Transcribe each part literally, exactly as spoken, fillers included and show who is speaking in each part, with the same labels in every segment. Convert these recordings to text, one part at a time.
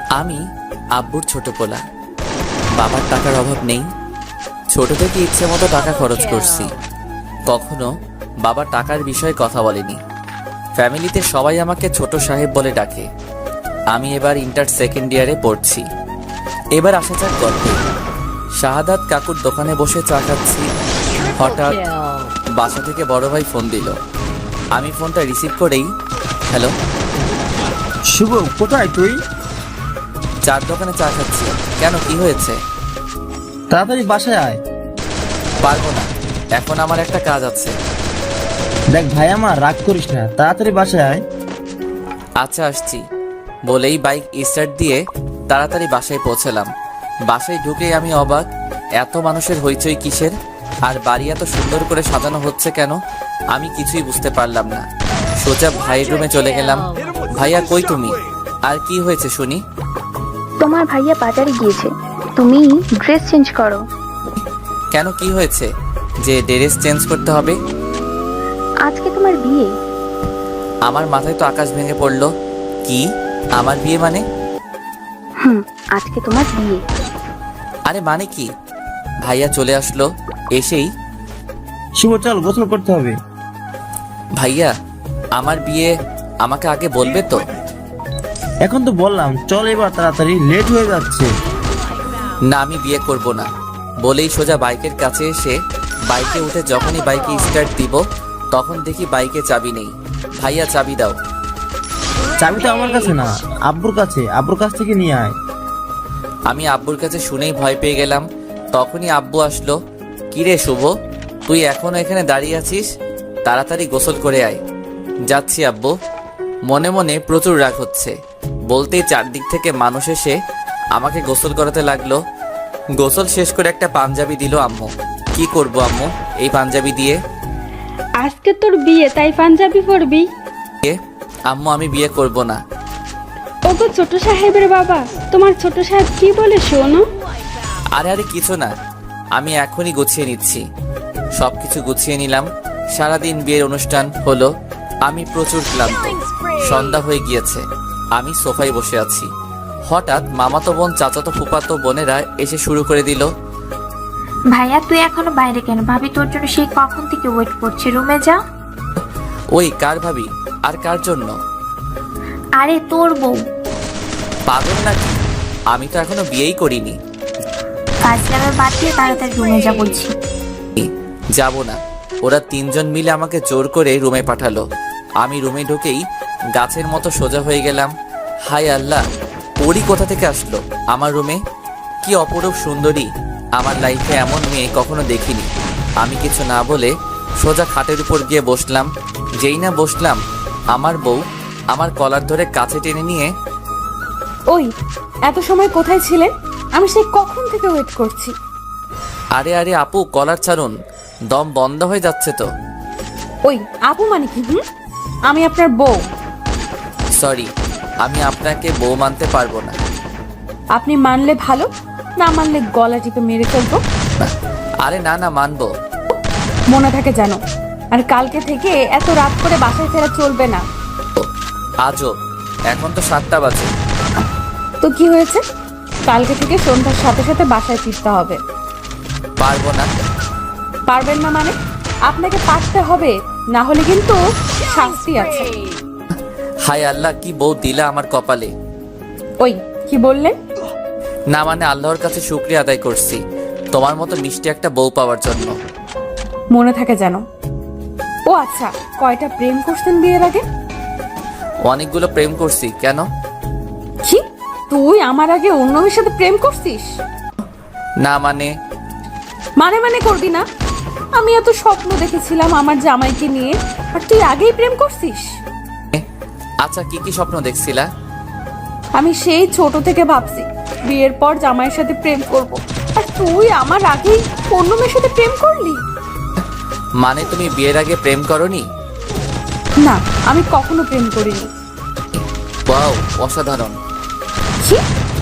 Speaker 1: আমি আব্বুর ছোট পোলা। বাবার টাকার অভাব নেই। ছোট থেকে ইচ্ছে মতো টাকা খরচ করছি। কখনো বাবা টাকার বিষয়ে কথা বলেনি। ফ্যামিলিতে সবাই আমাকে ছোট সাহেব বলে ডাকে। আমি এবার ইন্টার সেকেন্ড ইয়ারে পড়ছি। এবার আসা যাক গল্পে। শাহাদাত কাকুর দোকানে বসে চা খাচ্ছি। হঠাৎ বাসা থেকে বড় ভাই ফোন দিল। আমি ফোনটা রিসিভ করেই, হ্যালো।
Speaker 2: শুভ, কোথায় তুই?
Speaker 1: চার দোকানে চা খাচ্ছি। কেন, কি হয়েছে?
Speaker 2: তাড়াতাড়ি বাসায় আয়।
Speaker 1: পারবো না, এখন আমার একটা কাজ আছে।
Speaker 2: দেখ ভাই, আমার রাগ করিস না, তাড়াতাড়ি বাসায় আয়।
Speaker 1: আচ্ছা, আসছি বলেই বাইক স্টার্ট দিয়ে তাড়াতাড়ি বাসায় পৌঁছলাম। বাসায় ঢুকেই আমি অবাক, এত মানুষের হইচই কিসের? আর বাড়ি এত সুন্দর করে সাজানো হচ্ছে কেন? আমি কিছুই বুঝতে পারলাম না। সোজা ভাইয়ের রুমে চলে গেলাম। ভাইয়া কই তুমি? আর কি হয়েছে শুনি?
Speaker 3: তোমার ভাইয়া বাজারে গিয়েছে, তুমি ড্রেস চেঞ্জ করো।
Speaker 1: কেন, কি হয়েছে যে ড্রেস চেঞ্জ করতে হবে?
Speaker 3: আজকে তোমার বিয়ে।
Speaker 1: আমার মাথায় তো আকাশ ভেঙে পড়লো। কি, আমার বিয়ে মানে?
Speaker 3: হুম, আজকে তোমার বিয়ে।
Speaker 1: আরে মানে কি? ভাইয়া চলে আসলো। এসেই,
Speaker 2: শুভ চল, গোসল করতে হবে।
Speaker 1: ভাইয়া আমার বিয়ে, আমাকে আগে বলবে তো?
Speaker 2: এখন তো বললাম, চল এবার তাড়াতাড়ি, লেট হয়ে যাচ্ছে।
Speaker 1: না, আমি বিয়ে করব না বলেই সোজা বাইকের কাছে এসে বাইকে উঠে যখনই বাইকে স্টার্ট দিব তখন দেখি বাইকে চাবি নেই। ভাইয়া চাবি দাও।
Speaker 2: চাবি তো আমার কাছে না, আব্বুর কাছে, আব্বুর কাছ থেকে নিয়ে আয়।
Speaker 1: আমি আব্বুর কাছে শুনেই ভয় পেয়ে গেলাম। তখনই আব্বু আসলো। কিরে শুভ, তুই এখনো এখানে দাঁড়িয়ে আছিস? তাড়াতাড়ি গোসল করে আয়। যাচ্ছি আব্বু। মনে মনে প্রচুর রাগ হচ্ছে। বলতেই চারদিক থেকে মানুষ এসে আমাকে গোসল করাতে লাগলো। গোসল শেষ করে একটা পাঞ্জাবি দিল আম্মু। কি করব আম্মু এই পাঞ্জাবি দিয়ে?
Speaker 4: আজকে তোর বিয়ে, তাই পাঞ্জাবি পরবি?
Speaker 1: এ, আম্মু আমি বিয়ে করব না।
Speaker 4: ওগো ছোট সাহেবের বাবা, তোমার ছোট সাহেব কি বলে শোনো?
Speaker 1: আরে আরে কিছু না, আমি এখনই গুছিয়ে নিচ্ছি। সবকিছু গুছিয়ে নিলাম। সারাদিন বিয়ের অনুষ্ঠান হলো। আমি প্রচুর ক্লান্ত। সন্ধ্যা হয়ে গিয়েছে। আমি সোফায় বসে আছি। হঠাৎ মামাতো বোন, চাচাতো ফুপাতো বোনেরা এসে শুরু করে দিল।
Speaker 5: ভাইয়া তুই এখনো বাইরে কেন? ভাবি তোর জন্য সেই কখন থেকে ওয়েট করছে, রুমে যা।
Speaker 1: ওই কার ভাবি? আর কার জন্য?
Speaker 5: আরে তোর বউ।
Speaker 1: পাগল নাকি? আমি তো এখনো বিয়েই করিনি।
Speaker 5: কাজ নামে বাদ দিয়ে তাড়াতাড়ি রুমে যা বলছি।
Speaker 1: যাব না। ওরা তিনজন মিলে আমাকে জোর করে রুমে পাঠালো। আমি রুমে ঢুকেই গাছের মতো সোজা হয়ে গেলাম। হায় আল্লাহ, পরি কোথা থেকে আসলো আমার রুমে? কি অপরূপ সুন্দরী! আমার লাইফে এমন মেয়ে কখনো দেখিনি। আমি কিছু না বলে সোজা খাটের উপর গিয়ে বসলাম। যেই না বসলাম, আমার বউ আমার কলার ধরে কাছে টেনে নিয়ে,
Speaker 4: ওই এত সময় কোথায় ছিলেন? আমি সেই কখন থেকে ওয়েট করছি।
Speaker 1: আরে আরে আপু, কলার ছাড়ুন, দম বন্ধ হয়ে যাচ্ছে তো।
Speaker 4: ওই আপু মানে কি? হুম, আমি আপনার বউ।
Speaker 1: সরি, আমি আপনাকে বউ মানতে পারবো না।
Speaker 4: আপনি মানলে ভালো, না মানলে গলা টিপে মেরে ফেলবো।
Speaker 1: আরে না না, মানবো।
Speaker 4: মনে থাকে জানো। আর কালকে থেকে এত রাত করে বাসায় ফেরা চলবে না।
Speaker 1: আজও, এখন তো সাতটা বাজে।
Speaker 4: তো কি হয়েছে? কালকে থেকে সন্ধ্যার সাথে সাথে বাসায় ফিরতে হবে।
Speaker 1: পারবো না।
Speaker 4: পারবেন না মানে? আপনাকে পারতে হবে, না হলে কিন্তু শাস্তি আছে।
Speaker 1: হায় আল্লাহ, কি বউ দিলা আমার কপালে।
Speaker 4: ওই কি বললেন?
Speaker 1: না মানে আল্লাহর কাছে শুকরিয়া আদায় করছি তোমার মতো মিষ্টি একটা বউ পাওয়ার জন্য।
Speaker 4: মনে থাকে জানো। ও আচ্ছা, কয়টা প্রেম করছেন বিয়ের আগে?
Speaker 1: অনেকগুলো প্রেম করছি। কেন?
Speaker 4: কি, তুই আমার আগে অন্য মেয়ের সাথে প্রেম করছিস?
Speaker 1: না মানে,
Speaker 4: মানে মানে করবি না? আমি এত স্বপ্ন দেখেছিলাম আমার জামাইকে নিয়ে, আর তুই আগেই প্রেম করছিস?
Speaker 1: আচ্ছা কি কি স্বপ্ন দেখছিলা?
Speaker 4: আমি সেই ছোট থেকে ভাবছি বিয়ের পর জামাইয়ের সাথে প্রেম করব, আর তুই আমার আগেই অন্য মেয়ের সাথে প্রেম করলি।
Speaker 1: মানে তুমি বিয়ের আগে প্রেম করনি?
Speaker 4: না, আমি কখনো প্রেম করিনি।
Speaker 1: ওয়াও, অসাধারণ।
Speaker 4: কি?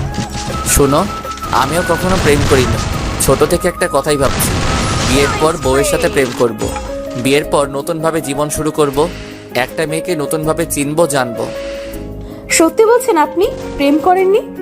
Speaker 1: শোনো, আমিও কখনো প্রেম করিনি। ছোট থেকে একটা কথাই ভাবছি, বিয়ের পর বউয়ের সাথে প্রেম করব। বিয়ের পর নতুনভাবে জীবন শুরু করব। একটা মেয়েকে নতুনভাবে চিনবো, জানবো।
Speaker 4: সত্যি বলছেন আপনি প্রেম করেননি?